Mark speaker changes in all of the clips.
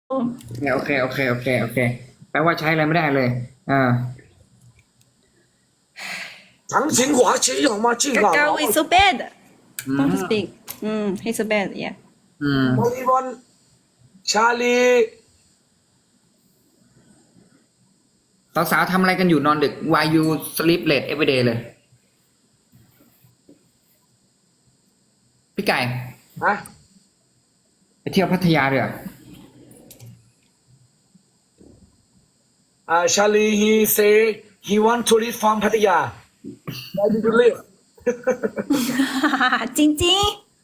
Speaker 1: โอเคแปลว่าใช้อะไรไม่ได้เลยอ่า
Speaker 2: 长情滑稽好吗？进好
Speaker 3: Kakao is so bad.
Speaker 1: อืม
Speaker 3: Don't speak. He's so bad. Yeah.
Speaker 1: อืม
Speaker 2: บอลบอลชาลี
Speaker 1: สาวๆทำอะไรกันอยู่นอนดึก Why you sleep late every day เลย พี่ไก่
Speaker 2: ฮะ
Speaker 1: ไปเที่ยวพัทยาเถอะ
Speaker 2: ชาลี he say he want to leave from พัทยา Where did you live?
Speaker 3: จริง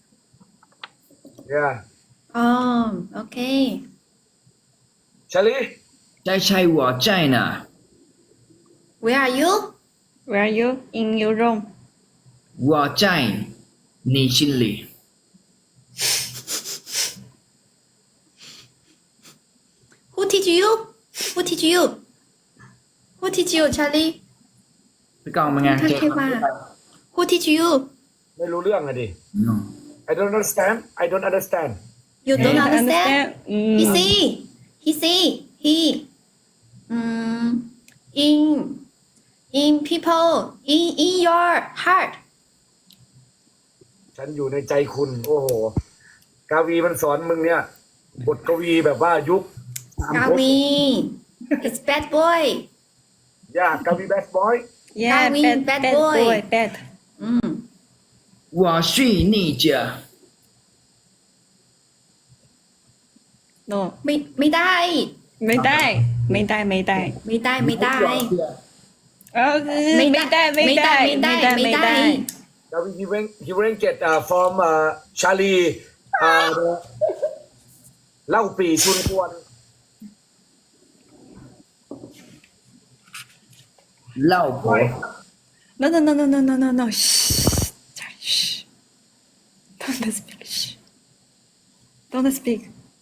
Speaker 2: Yeah
Speaker 3: ๆอ๋อโอเค
Speaker 2: ชาลี
Speaker 1: ใช่หัวใจนะ
Speaker 3: Where are you? Where are you? In your room.
Speaker 1: หัวใจนี่ชินลี
Speaker 3: Who teach you? Who teach you? Who teach you, Charlie?
Speaker 1: พี่กองเป็นไง
Speaker 3: ท่านเทวา Who teach you?
Speaker 2: ไม่รู้เรื่องอะดิ
Speaker 1: No.
Speaker 2: I don't understand I don't understand
Speaker 3: You don't
Speaker 1: Hey.
Speaker 3: understand? He see. He see. He. In people. In your heart.
Speaker 2: ฉันอยู่ในใจคุณ โอ้โห กาวีมันสอนมึงเนี่ย บทกวีแบบว่ายุค
Speaker 3: Gavin. It's bad boy.
Speaker 2: ยากกาวีแบดบอย
Speaker 3: Yeah,
Speaker 4: Gavin,
Speaker 3: bad boy.
Speaker 4: bad.
Speaker 1: 我是你姐
Speaker 4: No,
Speaker 3: ไม่ได้
Speaker 4: ไม่ได้
Speaker 3: ไม่ได้
Speaker 4: ไม่ได้
Speaker 3: ไม่ได้
Speaker 4: ไม่ได้
Speaker 2: กาวีhe went get from Charlie เล่าปีชุนควน
Speaker 1: เล่าผัว
Speaker 4: No. Shh. Shh. Don't speak. Shh. Don't speak.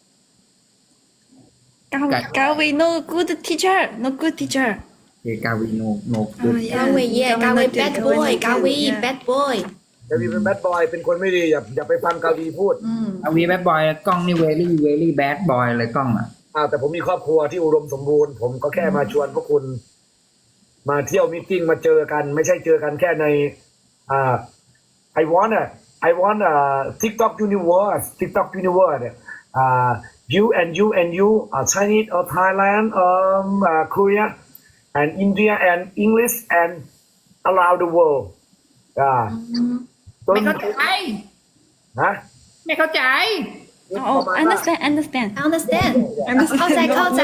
Speaker 4: Gawi, no good teacher. No good teacher.
Speaker 1: เอกาวีโนโน
Speaker 3: กาเวเย่กาเว bad boy กาเว bad boy
Speaker 2: กาวีเป็นแบดบอยเป็นคนไม่ดีอย่าไปฟังกาวีพูด
Speaker 1: กาวีแบดบอยกล้องนี่เวลี่แบดบอยเลยกล้องอ่ะ
Speaker 2: แต่ผมมีครอบครัวที่อุดมสมบูรณ์ผมก็แค่มาชวนพวกคุณ มาเที่ยวมีตติ้งมาเจอกัน ไม่ใช่เจอกันแค่ในI want TikTok universe you Chinese or Thailand Korea and India and English and around the world
Speaker 1: ไม่เข้าใจ
Speaker 2: ฮะ
Speaker 1: ไม่เข้าใจ
Speaker 4: Oh, understand.
Speaker 3: understand เข้าใจ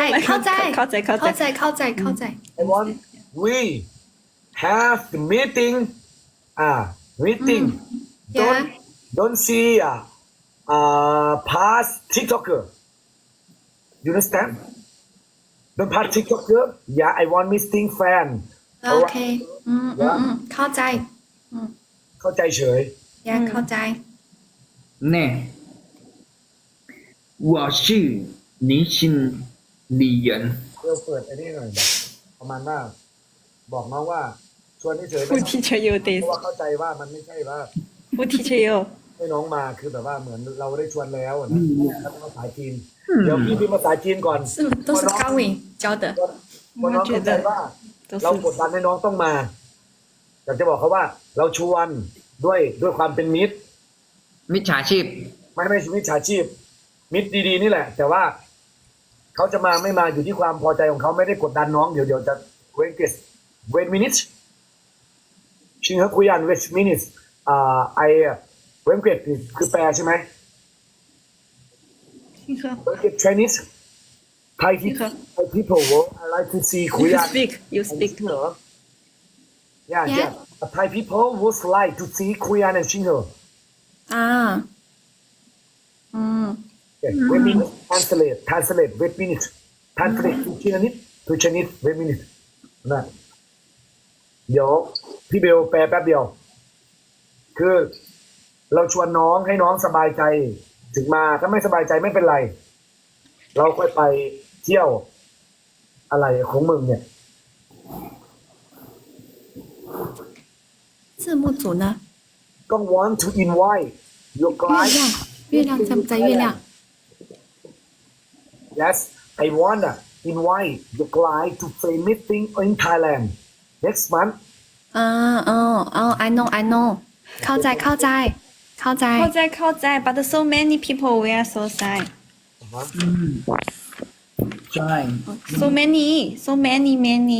Speaker 2: I want we have the meeting
Speaker 3: Yeah
Speaker 2: don't see past TikToker you understand don't pass TikToker yeah I want meeting fan
Speaker 3: โอเคเข้าใจ
Speaker 2: เข้าใจเฉย
Speaker 3: yeah เข้าใจ
Speaker 1: เนี่ย我是你心里人
Speaker 2: เดี๋ยวเปิดอันนี้หน่อยแบบประมาณว่าบอกน้องว่าชวนเฉยๆ
Speaker 4: Who teach you
Speaker 2: เพ
Speaker 4: this?
Speaker 2: ราะว่าเข้าใจว่ามันไม่ใช่ว่า
Speaker 4: Who teach you?
Speaker 2: ให้น้องมาคือแบบว่าเหมือนเราได้ชวนแล้วนะแล้วก็ภาษาจีนเดี๋ยวพี่พิมพ์ภาษาจีนก่อน
Speaker 3: 都是高伟教的
Speaker 2: พอน้องเข้าใจว่า เรากดดันให้น้องต้องมาอยากจะบอกเขาว่า เราชวนด้วยความเป็นมิตร
Speaker 1: มิจฉาชีพ
Speaker 2: ไม่มิจฉาชีพ มิตรดีๆนี่แหละ แต่ว่าเขาจะมาไม่มาอยู่ที่ความพอใจของเขาไม่ได้กดดันน้องเดี๋ยวจะwait minutes ชิงเขาคุยอัน wait minutesไอเวนเกตคือแปลใช่ไหม เวนเกต Chinese Thai people I like to see คุย
Speaker 4: You
Speaker 2: อัน
Speaker 4: speak. You speak.
Speaker 2: Yeah Thai people would like to see Korean and Shingle
Speaker 3: อ่า
Speaker 2: wait minute translate wait minute translate to Chinese wait minute นะเดี๋ยวพี่เบลแปลแป๊บเดียว คือเราชวนน้องให้น้องสบายใจถึงมาถ้าไม่สบายใจไม่เป็นไร เราค่อยไปเที่ยวอะไรของมึงเนี่ย
Speaker 3: 字幕组呢
Speaker 2: ต้อง want to invite your
Speaker 3: 月
Speaker 2: client
Speaker 3: 亮月亮在不在月亮
Speaker 2: Yes, I wanna invite the guy to play meeting in Thailand next month.
Speaker 3: I know I know เข้าใจเข้าใจเข้าใจ
Speaker 4: 靠在 but so many people we are so sad.
Speaker 2: Uh-huh.
Speaker 1: ใช่
Speaker 4: So many many.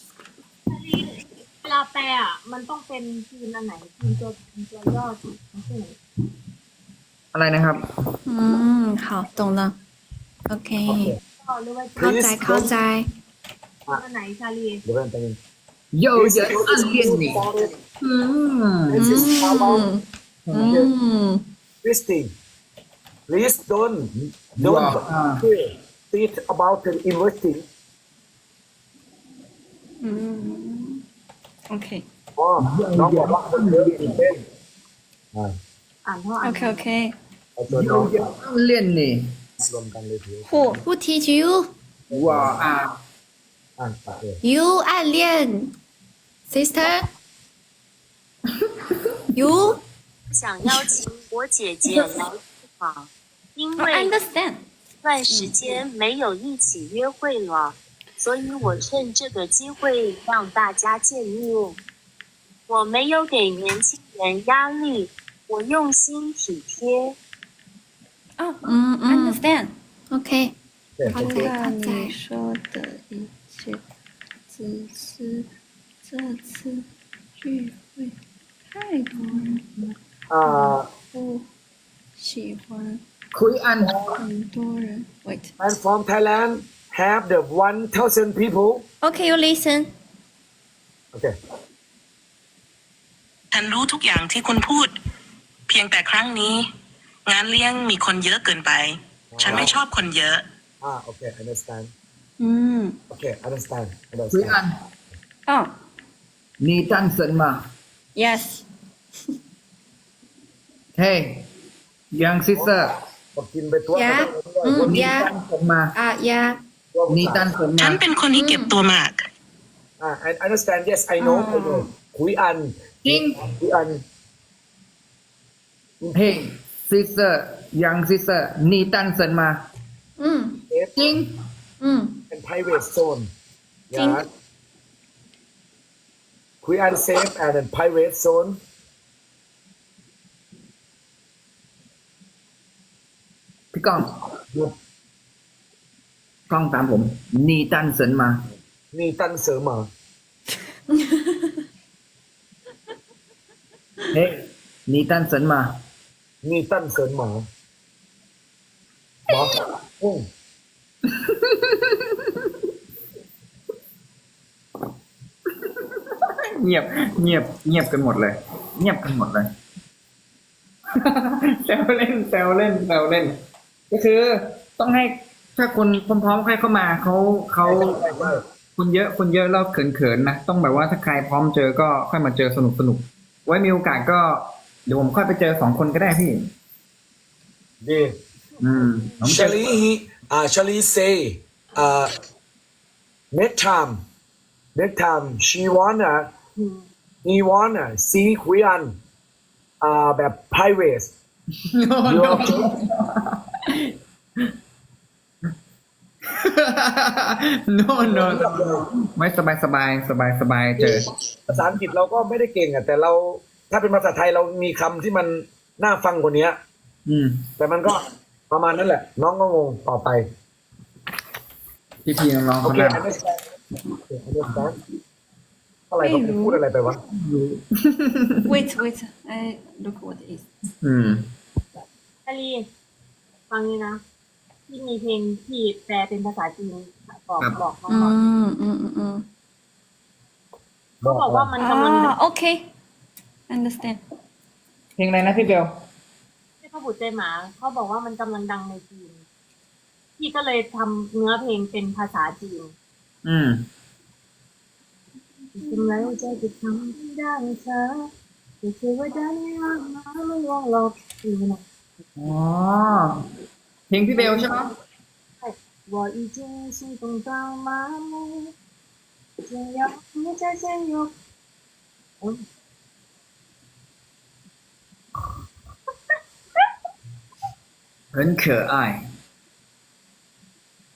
Speaker 5: เวลาแปลอ่ะ มันต้องเป็นทีมอันไหนทีมตัวย่อทีมที่ไหน
Speaker 1: อะไรนะครับ
Speaker 3: 好懂了 OK
Speaker 2: Okay.
Speaker 5: ก็หรือว่า
Speaker 3: เข้าใจเข้าใจ
Speaker 5: ทีมอันไหนชาลี
Speaker 2: เดี๋ยวกันไปบนึง
Speaker 1: โยเยอะอันเลียนนี่อืม
Speaker 2: This is about
Speaker 3: อืม
Speaker 2: investing. Please don't
Speaker 1: Wow.
Speaker 2: think about the investing.
Speaker 4: Okay
Speaker 2: อ๋อน้องบอกว่าคนเยอะตื่นเต้นอ่า
Speaker 5: อ่านเท่าอ่าน
Speaker 4: okay.
Speaker 2: เอาตัว
Speaker 1: โย
Speaker 2: น้อง
Speaker 1: เยอะอันเลียนนี่
Speaker 2: รวมกันเลยที
Speaker 4: Who?
Speaker 3: Who teach you
Speaker 1: ว้าอ่า
Speaker 2: อ่านปากเลย
Speaker 3: you 暗恋 sister you
Speaker 6: 想邀请我姐姐来聚好，因
Speaker 4: I
Speaker 6: 为
Speaker 4: understand.
Speaker 6: 段时间没有一起约会了，所以我趁这个机会让大家见面。我没有给年轻人压力，我用心体贴。
Speaker 4: Oh,
Speaker 3: 嗯
Speaker 4: understand.
Speaker 3: OK
Speaker 2: เห็น
Speaker 3: 好
Speaker 2: ไหม
Speaker 3: 的
Speaker 4: 看你说的一切，只是这次聚会太多人了，
Speaker 2: อ่า
Speaker 4: 不喜欢
Speaker 1: คุยอัน
Speaker 4: 很多人。Wait.
Speaker 2: and from Thailand have the 1,000 people.
Speaker 3: OK you listen
Speaker 2: Okay.
Speaker 7: ฉันรู้ทุกอย่างที่คุณพูด เพียงแต่ครั้งนี้ งานเลี้ยงมีคนเยอะเกินไป ฉันไม่ชอบคนเยอะ
Speaker 2: Okay, understand.
Speaker 4: Mm.
Speaker 2: Okay, understand.
Speaker 1: คุยอัน
Speaker 4: Oh,
Speaker 1: นี่ตั้นเซินมา
Speaker 4: yes.
Speaker 1: เฮ้ยยังซิสเตอร์
Speaker 2: ก็กินไปตัว
Speaker 3: Yeah
Speaker 1: นี่
Speaker 3: yeah
Speaker 1: ตั้นเซินมา
Speaker 3: yeah
Speaker 1: นี่ตั้นเซิน
Speaker 7: ฉั
Speaker 1: มา
Speaker 7: นเป็นคนที่เก็บตัวมาก
Speaker 2: I understand. Yes, I know. I know. คุยอัน
Speaker 1: จริง
Speaker 2: คุยอัน
Speaker 1: เฮ้ยซิสเตอร์ยังซิสเตอร์นี่ตั้นเซินมา จริง
Speaker 2: เป็น private zone
Speaker 3: จริง
Speaker 2: Yeah. คุยอัน safe and then private zone.
Speaker 1: พี่ก้องกล้องตามผม นี่ตั้นเซินมา
Speaker 2: นี่ตั้นเสริมเหรอ
Speaker 1: เฮ้ยนี่ตั้นเซินมา
Speaker 2: นี่ตั้นเสริมหมอหมออืม
Speaker 1: เงียบเงียบเงียบกันหมดเลย เงียบกันหมดเลย แซวเล่นแซวเล่นแซวเล่น ก็คือต้องให้ถ้าคนพร้อมๆใครเข้ามาเขาคนเยอะแล้วเขินๆนะต้องแบบว่าถ้าใครพร้อมเจอก็ค่อยมาเจอสนุกไว้มีโอกาสก็เดี๋ยวผมค่อยไปเจอ2 คนก็ได้พี่
Speaker 2: ดี
Speaker 1: ผมเจอ
Speaker 2: Shally say next time she wanna he wanna see คุยอันแบบ private You okay?
Speaker 1: no no no ไม่สบายเจอ
Speaker 2: ภาษาอังกฤษเราก็ไม่ได้เก่งอ่ะแต่เราถ้าเป็นภาษาไทยเรามีคำที่มันน่าฟังกว่านี้ แต่มันก็ประมาณนั้นแหละ น้องก็งงต่อไป
Speaker 1: พี่น้อง
Speaker 2: โอ
Speaker 1: เขา
Speaker 2: เค
Speaker 1: หน้า
Speaker 2: understand อะไรเขาพูดอะไรไปวะ
Speaker 4: Wait. I look what is.
Speaker 5: ชาลีฟังนี่นะ ที่มีเพลงที่แปลเป็นภาษาจีนบอกน้องๆเขาบอกว่ามันกำลัง
Speaker 4: Okay. Understand.
Speaker 1: เพลงอะไรนะพี่เบล
Speaker 5: ที่พระบุตรใจหมา เขาบอกว่ามันกำลังดังในจีนพี่ก็เลยทำเนื้อเพลงเป็นภาษาจีนทำไมใจจะทำได้เธอจะเชื่อว่าได้มาไม่ลวงหลอกนี่นะ
Speaker 1: อ๋อเพลงพี่เบลใช่ไหม
Speaker 5: 我已经心动到麻木，只要你再见有。
Speaker 1: 很可爱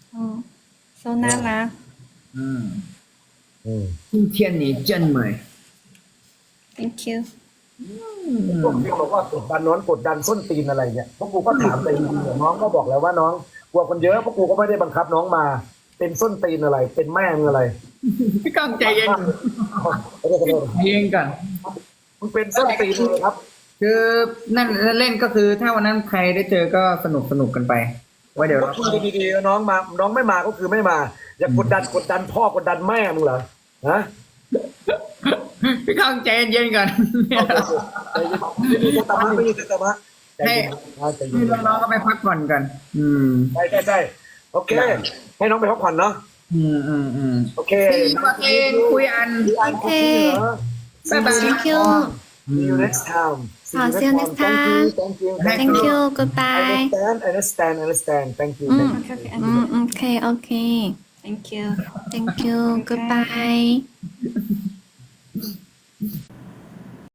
Speaker 4: so น่ารัก
Speaker 1: อืม
Speaker 2: อืม
Speaker 1: 今天你真美
Speaker 4: thank you
Speaker 2: พวกที่บอกว่ากดดันน้องกดดันส้นตีนอะไรเนี่ยพวกกูก็ถามไปดีๆน้องก็บอกแล้วว่าน้องกลัวคนเยอะพวกกูก็ไม่ได้บังคับน้องมา เป็นส้นตีนอะไร เป็นแม่มึงอะไร
Speaker 1: พี่ก้องใจเย็น
Speaker 2: ไม่ได้ขอโทษ
Speaker 1: ใจเย็นก่อน
Speaker 2: มึงเป็นส้นตีนเลยครับ
Speaker 1: คือนั่นเล่นก็คือถ้าวันนั้นใครได้เจอก็สนุกกันไปไว้เดี๋ยว
Speaker 2: ก็
Speaker 1: เรา
Speaker 2: คุยดีๆน้องมาน้องไม่มาก็คือไม่มา อย่ากดดันพ่อกดดันแม่มึงเหรอฮะ
Speaker 1: พี่ก้องใจเย็นๆก่อน
Speaker 2: ไม่มีสตามะไม่มีสตามะใจเย็นใจเย็
Speaker 1: นี่
Speaker 2: น
Speaker 1: น้องๆก็ไปพักผ่อนกัน อืม
Speaker 2: ใช่โอเค ให้น้องไปพักผ่อนเนาะ
Speaker 1: อืม
Speaker 2: โอเค
Speaker 1: ซีวาเคนคุยอัน
Speaker 2: โอเค
Speaker 1: บ๊ายบาย
Speaker 4: thank you
Speaker 2: See you next time.
Speaker 4: 好 see you next time
Speaker 2: Thank you.
Speaker 4: thank you goodbye
Speaker 2: Understand. Thank you.
Speaker 4: โอเค thank you thank you goodbye